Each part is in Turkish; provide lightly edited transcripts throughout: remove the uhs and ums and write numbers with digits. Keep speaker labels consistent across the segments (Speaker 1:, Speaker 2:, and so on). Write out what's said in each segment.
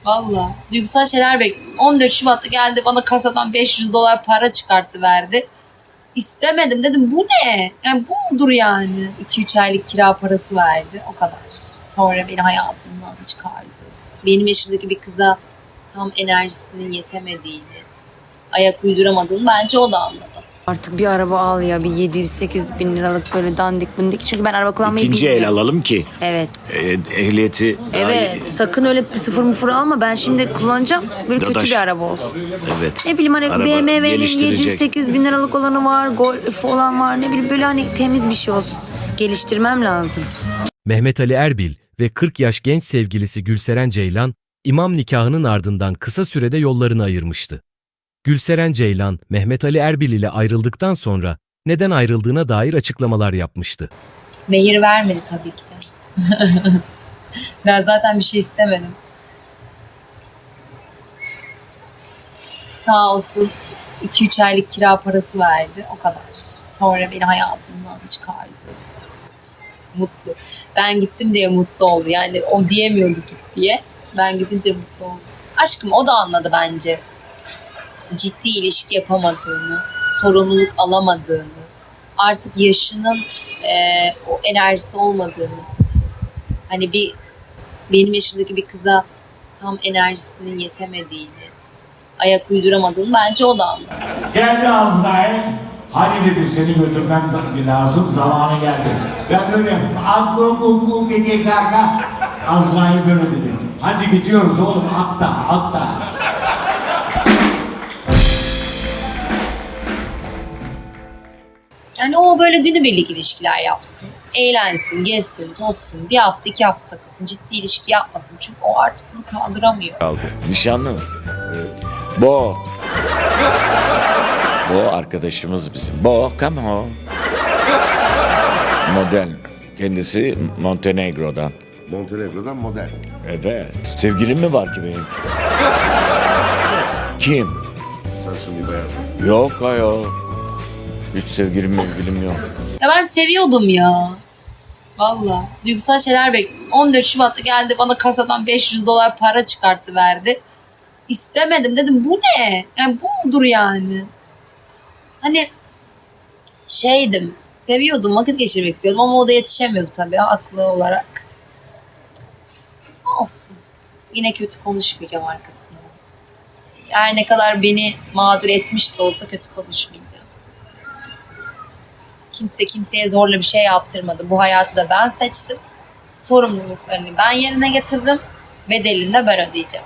Speaker 1: Valla. Duygusal şeyler bekliyorum. 14 Şubat'ta geldi bana kasadan 500 dolar para çıkarttı verdi. İstemedim dedim bu ne? Yani bu mudur yani? 2-3 aylık kira parası verdi o kadar. Sonra beni hayatından çıkardı. Benim yaşımdaki bir kıza tam enerjisinin yetemediğini, ayak uyduramadığını bence o da anladı.
Speaker 2: Artık bir araba al ya, bir 700-800 bin liralık böyle dandik bundik. Çünkü ben araba kullanmayı
Speaker 3: İkinci el
Speaker 2: bilmiyorum.
Speaker 3: alalım ki
Speaker 2: Evet.
Speaker 3: ehliyeti daha
Speaker 2: Evet.
Speaker 3: iyi.
Speaker 2: Sakın öyle sıfır mıfır alma. Ben şimdi kullanacağım. Böyle kötü
Speaker 3: Dadaş.
Speaker 2: bir araba olsun.
Speaker 3: Evet.
Speaker 2: Ne bileyim hani
Speaker 3: Araba
Speaker 2: BMW'nin
Speaker 3: geliştirecek.
Speaker 2: 700-800 bin liralık olanı var. Golf olan var. Ne bileyim böyle hani temiz bir şey olsun. Geliştirmem lazım.
Speaker 4: Mehmet Ali Erbil ve 40 yaş genç sevgilisi Gülseren Ceylan, imam nikahının ardından kısa sürede yollarını ayırmıştı. Gülseren Ceylan, Mehmet Ali Erbil ile ayrıldıktan sonra neden ayrıldığına dair açıklamalar yapmıştı.
Speaker 1: Mehir vermedi tabii ki de. Ben zaten bir şey istemedim. Sağ olsun 2-3 aylık kira parası verdi o kadar. Sonra beni hayatından çıkardı. Mutlu. Ben gittim diye mutlu oldu. Yani o diyemiyordu git diye. Ben gidince mutlu oldu. Aşkım o da anladı bence. Ciddi ilişki yapamadığını, sorumluluk alamadığını, artık yaşının o enerjisi olmadığını. Hani benim yaşımdaki bir kıza tam enerjisinin yetemediğini, ayak uyduramadığını bence o da anladı.
Speaker 5: Geldi Azrail. Hani dedi seni götürmem lazım, zamanı geldi. Ben böyle aklı gege gaga. Azrail böyle dedi. Hadi gidiyoruz oğlum, atla.
Speaker 1: Yani o böyle günübirlik ilişkiler yapsın. Eğlensin, gezsin, tozsun. Bir hafta, 2 hafta takılsın. Ciddi ilişki yapmasın. Çünkü o artık bunu kaldıramıyor.
Speaker 3: Nişanlı mı? Bo. Bo arkadaşımız bizim. Bo, come on. Model. Kendisi Montenegro'dan.
Speaker 6: Montenegro'dan model.
Speaker 3: Evet. Sevgilim mi var ki benim? Kim?
Speaker 6: Sarışın bir bayan.
Speaker 3: Yok ayol. Hiç sevgilim yok.
Speaker 1: Ya ben seviyordum ya. Valla. Duygusal şeyler bekliyorum. 14 Şubat'ta geldi bana kasadan 500 dolar para çıkarttı verdi. İstemedim dedim bu ne? Yani bu mudur yani? Hani şeydim. Seviyordum, vakit geçirmek istiyordum ama o da yetişemiyordu tabii haklı olarak. Olsun. Yine kötü konuşmayacağım arkasından. Her ne kadar beni mağdur etmiş de olsa kötü konuşmayacağım. Kimse kimseye zorla bir şey yaptırmadı. Bu hayatı da ben seçtim. Sorumluluklarını ben yerine getirdim. Bedelini de ben ödeyeceğim.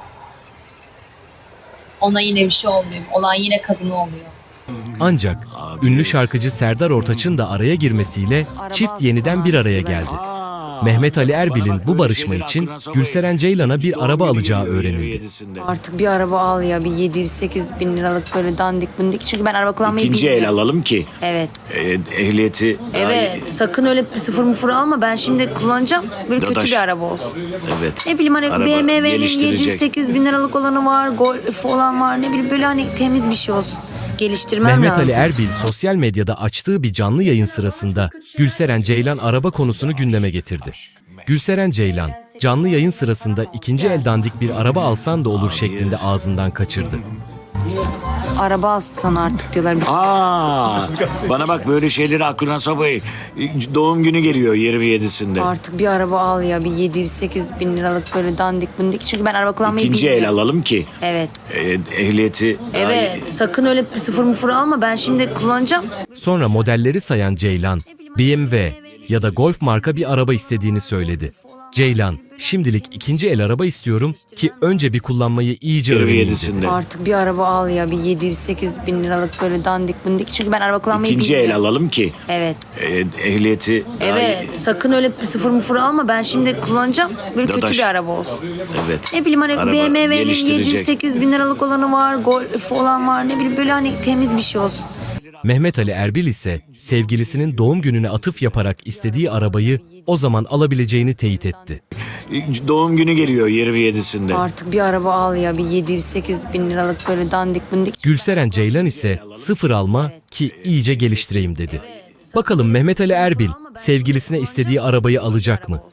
Speaker 1: Ona yine bir şey olmuyor. Olan yine kadını oluyor.
Speaker 4: Ancak ünlü şarkıcı Serdar Ortaç'ın da araya girmesiyle çift yeniden bir araya geldi. Mehmet Ali Erbil'in bu barışma için Gülseren Ceylan'a bir araba alacağı öğrenildi.
Speaker 2: Artık bir araba al ya, bir 700-800 bin liralık böyle dandik bundik. Çünkü ben araba kullanmayı
Speaker 3: İkinci el
Speaker 2: bilmiyorum.
Speaker 3: alalım ki
Speaker 2: Evet.
Speaker 3: ehliyeti daha
Speaker 2: Evet.
Speaker 3: iyi.
Speaker 2: Sakın öyle sıfır mıfır alma. Ben şimdi kullanacağım. Böyle kötü
Speaker 3: Dadaş.
Speaker 2: bir araba olsun.
Speaker 3: Evet.
Speaker 2: Ne bileyim hani
Speaker 3: Araba
Speaker 2: BMW'nin
Speaker 3: geliştirecek.
Speaker 2: 700-800 bin liralık olanı var. Golf olan var. Ne bileyim böyle hani temiz bir şey olsun. Geliştirmem
Speaker 4: Mehmet
Speaker 2: lazım.
Speaker 4: Ali Erbil sosyal medyada açtığı bir canlı yayın sırasında Gülseren Ceylan araba konusunu gündeme getirdi. Gülseren Ceylan, canlı yayın sırasında ikinci el dandik bir araba alsan da olur şeklinde ağzından kaçırdı.
Speaker 2: Araba alsan artık diyorlar.
Speaker 3: Bana bak böyle şeyleri aklına sokmayın. Doğum günü geliyor 27'sinde.
Speaker 2: Artık bir araba al ya, bir 700-800 bin liralık böyle dandik bundik. Çünkü ben araba kullanmayı
Speaker 3: İkinci el
Speaker 2: bilmiyorum.
Speaker 3: alalım ki
Speaker 2: Evet.
Speaker 3: ehliyeti daha
Speaker 2: Evet.
Speaker 3: iyi.
Speaker 2: Sakın öyle sıfır mıfır alma. Ben şimdi kullanacağım.
Speaker 4: Sonra modelleri sayan Ceylan, BMW ya da Golf marka bir araba istediğini söyledi. Ceylan, şimdilik ikinci el araba istiyorum ki önce bir kullanmayı iyice öğreneyim dedi.
Speaker 3: 27'sinde.
Speaker 2: Artık bir araba al ya, bir 700-800 bin liralık böyle dandik bundik. Çünkü ben araba kullanmayı
Speaker 3: İkinci
Speaker 2: bilmiyorum.
Speaker 3: el alalım ki
Speaker 2: Evet.
Speaker 3: ehliyeti daha
Speaker 2: Evet.
Speaker 3: iyi.
Speaker 2: Sakın öyle sıfır mıfır alma. Ben şimdi kullanacağım. Böyle kötü
Speaker 3: Dadaş.
Speaker 2: bir araba olsun.
Speaker 3: Evet.
Speaker 2: Ne bileyim hani
Speaker 3: Araba
Speaker 2: BMW'nin
Speaker 3: geliştirecek.
Speaker 2: 700-800 bin liralık olanı var. Golf olan var. Ne bileyim böyle hani temiz bir şey olsun.
Speaker 4: Mehmet Ali Erbil ise sevgilisinin doğum gününe atıf yaparak istediği arabayı o zaman alabileceğini teyit etti.
Speaker 3: Doğum günü geliyor 27'sinde.
Speaker 2: Artık bir araba al ya, bir 700-800 bin liralık böyle dandik bundik.
Speaker 4: Gülseren Ceylan ise sıfır alma ki iyice geliştireyim dedi. Bakalım Mehmet Ali Erbil sevgilisine istediği arabayı alacak mı?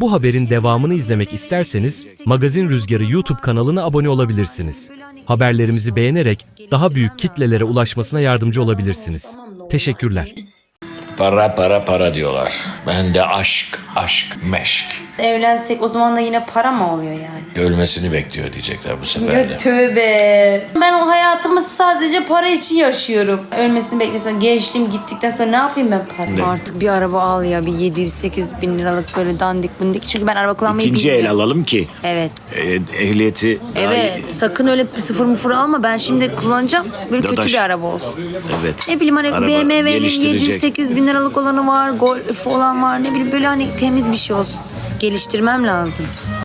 Speaker 4: Bu haberin devamını izlemek isterseniz Magazin Rüzgarı YouTube kanalına abone olabilirsiniz. Haberlerimizi beğenerek daha büyük kitlelere ulaşmasına yardımcı olabilirsiniz. Teşekkürler.
Speaker 3: Para para para diyorlar. Ben de aşk, aşk, meşk.
Speaker 2: Evlensek o zaman da yine para mı oluyor yani?
Speaker 3: Ölmesini bekliyor diyecekler bu sefer de.
Speaker 2: Tövbe. Ben o hayatımı sadece para için yaşıyorum. Ölmesini beklesem gençliğim gittikten sonra ne yapayım ben para?
Speaker 3: Ne?
Speaker 2: Artık bir araba al ya, bir 700-800 bin liralık böyle dandik bundik. Çünkü ben araba kullanmayı
Speaker 3: İkinci el
Speaker 2: bilmiyorum.
Speaker 3: alalım ki
Speaker 2: Evet.
Speaker 3: ehliyeti daha
Speaker 2: Evet. Sakın öyle sıfır mıfır alma. Ben şimdi kullanacağım. Böyle kötü
Speaker 3: Dadaş.
Speaker 2: bir araba olsun.
Speaker 3: Evet.
Speaker 2: Ne bileyim hani
Speaker 3: Araba
Speaker 2: BMW'nin
Speaker 3: geliştirecek.
Speaker 2: 700-800 bin liralık olanı var. Golf olan var. Ne bileyim böyle hani temiz bir şey olsun. Geliştirmem lazım.